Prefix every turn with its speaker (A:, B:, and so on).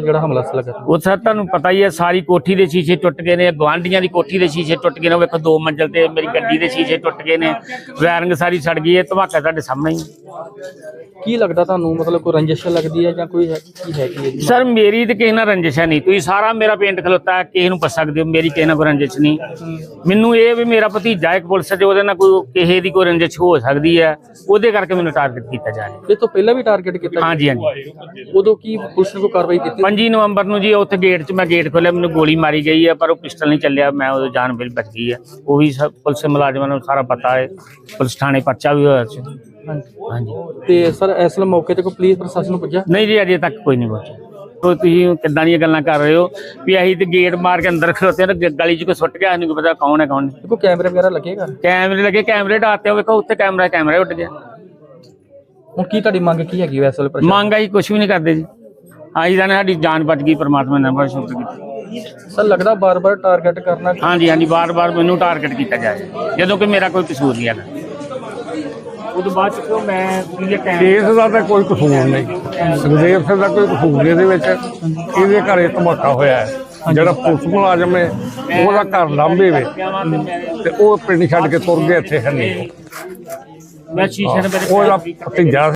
A: ਜਿਹੜਾ ਹਮਲਾ ਸੀ ਲੱਗਾ?
B: ਉਹ ਸਰ ਤੁਹਾਨੂੰ ਪਤਾ ਹੀ ਹੈ, ਸਾਰੀ ਕੋਠੀ ਦੇ ਸ਼ੀਸ਼ੇ ਟੁੱਟ ਗਏ ਨੇ, ਗੁਆਂਢੀਆਂ ਦੀ ਕੋਠੀ ਦੇ ਸ਼ੀਸ਼ੇ ਟੁੱਟ ਗਏ ਨੇ, ਵੇਖੋ 2 ਮੰਜ਼ਿਲ ਤੇ ਮੇਰੀ ਗੱਡੀ ਦੇ ਸ਼ੀਸ਼ੇ ਟੁੱਟ ਗਏ ਨੇ, ਵਾਇਰਿੰਗ ਸਾਰੀ ਸੜ ਗਈ ਹੈ। ਧਮਾਕਾ ਤੁਹਾਡੇ ਸਾਹਮਣੇ ਹੀ।
A: ਕੀ ਲੱਗਦਾ ਤੁਹਾਨੂੰ, ਮਤਲਬ ਕੋਈ ਰੰਜਿਸ਼ ਲੱਗਦੀ ਹੈ ਜਾਂ ਕੋਈ ਕੀ ਹੈਗੀ ਹੈ?
B: ਸਰ ਮੇਰੀ ਤੇ ਕਿਸੇ ਨਾਲ ਰੰਜਿਸ਼ ਹੈ ਨਹੀਂ, ਤੁਸੀਂ ਸਾਰਾ ਮੇਰਾ ਪਿੰਡ ਖਲੋਤਾ ਕਿਸੇ ਨੂੰ ਪੁੱਛ ਸਕਦੇ ਹੋ, ਮੇਰੀ ਕਿਸੇ ਨਾਲ ਕੋਈ ਰੰਜਿਸ਼ ਨਹੀਂ। ਮੈਨੂੰ ਇਹ ਵੀ ਮੇਰਾ ਭਤੀਜਾ ਇੱਕ ਪੁਲਿਸ 'ਚ, ਉਹਦੇ ਨਾਲ ਕੋਈ ਕਿਸੇ ਦੀ ਕੋਈ ਰੰਜਿਸ਼ ਹੋ ਸਕਦੀ ਹੈ, ਉਹਦੇ ਕਰਕੇ ਮੈਨੂੰ ਟਾਰਗੇਟ ਕੀਤਾ ਜਾ ਰਿਹਾ।
A: ਇਹ ਤੋਂ ਪਹਿਲਾਂ ਵੀ ਟਾਰਗੇਟ ਕੀਤਾ?
B: ਹਾਂਜੀ ਹਾਂਜੀ।
A: ਉਦੋਂ ਕੀ ਪੁਲਿਸ ਨੇ ਕੋਈ ਕਾਰਵਾਈ ਕੀਤੀ?
B: 5 ਨਵੰਬਰ ਨੂੰ ਜੀ ਉੱਥੇ ਗੇਟ 'ਚ ਮੈਂ ਗੇਟ ਖੋਲਿਆ, ਮੈਨੂੰ ਗੋਲੀ ਮਾਰੀ ਗਈ ਹੈ, ਪਰ ਉਹ ਪਿਸਟਲ ਨਹੀਂ ਚੱਲਿਆ, ਮੈਂ ਉਦੋਂ ਜਾਨ ਮੇਰੀ ਬਚ ਗਈ ਹੈ। ਉਹ ਵੀ ਪੁਲਿਸ ਮੁਲਾਜ਼ਮਾਂ ਨੂੰ ਸਾਰਾ ਪਤਾ ਹੈ, ਪੁਲਿਸ ਥਾਣੇ ਪਰਚਾ ਵੀ ਹੋਇਆ ਸੀ। ਹਾਂਜੀ।
A: ਤੇ ਸਰ ਇਸ ਮੌਕੇ ਤੇ ਕੋਈ ਪੁਲਿਸ ਪ੍ਰਸ਼ਾਸਨ ਨੂੰ ਪੁੱਜਿਆ?
B: ਨਹੀਂ ਜੀ, ਅਜੇ ਤੱਕ ਕੋਈ ਨਹੀਂ ਪਹੁੰਚਿਆ। ਤੁਸੀਂ ਕਿੱਦਾਂ ਦੀਆਂ ਗੱਲਾਂ ਕਰ ਰਹੇ ਹੋ ਵੀ ਅਸੀਂ ਤੇ ਗੇਟ ਮਾਰ ਕੇ ਅੰਦਰ ਖਲੋਤੇ ਹਾਂ, ਗਲੀ 'ਚ ਕੋਈ ਸੁੱਟ ਗਿਆ, ਸਾਨੂੰ ਪਤਾ ਕੌਣ ਹੈ ਕੌਣ ਨਹੀਂ।
A: ਕੋਈ ਕੈਮਰੇ ਵਗੈਰਾ ਲੱਗੇਗਾ?
B: ਕੈਮਰੇ ਲੱਗੇ, ਕੈਮਰੇ ਢਾਤੇ, ਵੇਖੋ ਉੱਥੇ ਕੈਮਰਾ ਉੱਡ ਗਿਆ।
A: ਹੁਣ ਕੀ ਤੁਹਾਡੀ ਮੰਗ ਕੀ ਹੈਗੀ ਵੈਸੇ ਵੇਲੇ ਪ੍ਰਸ਼ਾਸਨ?
B: ਮੰਗ ਅਸੀਂ ਕੁਝ ਵੀ ਨਹੀਂ ਕਰਦੇ ਜੀ, ਅਸੀਂ ਜਾਣੇ ਸਾਡੀ ਜਾਨ ਬਚ ਗਈ, ਪਰਮਾਤਮਾ ਨੇ ਬੜਾ ਸ਼ੁਕਰ ਕੀਤਾ।
A: ਸਰ ਲੱਗਦਾ ਬਾਰ-ਬਾਰ ਟਾਰਗੇਟ ਕਰਨਾ?
B: ਹਾਂਜੀ ਹਾਂਜੀ, ਵਾਰ-ਵਾਰ ਮੈਨੂੰ ਟਾਰਗੇਟ ਕੀਤਾ ਜਾਏ, ਜਦੋਂ ਕਿ ਮੇਰਾ ਕੋਈ ਕਸੂਰ ਨਹੀਂ ਹੈਗਾ। ਉਹਦੇ ਬਾਅਦ ਚ ਮੈਂ
C: ਕੇਸ ਦਾ ਤਾਂ ਕੋਈ ਕਸੂਰ ਨਹੀਂ, ਸੁਖਦੇਵ ਸਿੰਘ ਦਾ ਕੋਈ ਕਸੂਰ ਨਹੀਂ ਇਹਦੇ ਵਿੱਚ। ਇਹਦੇ ਘਰੇ ਧਮਾਕਾ ਹੋਇਆ ਹੈ, ਜਿਹੜਾ ਪੁਲਿਸ ਮੁਲਾਜ਼ਮ ਹੈ ਉਹਦਾ ਘਰ ਲਾਂਭੇ ਵੇ ਤੇ ਉਹ ਪਿੰਡ ਛੱਡ ਕੇ ਤੁਰ ਗਏ, ਇੱਥੇ ਹੈ ਨਹੀਂ।
B: ਮੈਂ ਸ਼ੀਸ਼ੇ ਦੇ
C: ਉਹਦਾ ਭਤੀਜਾ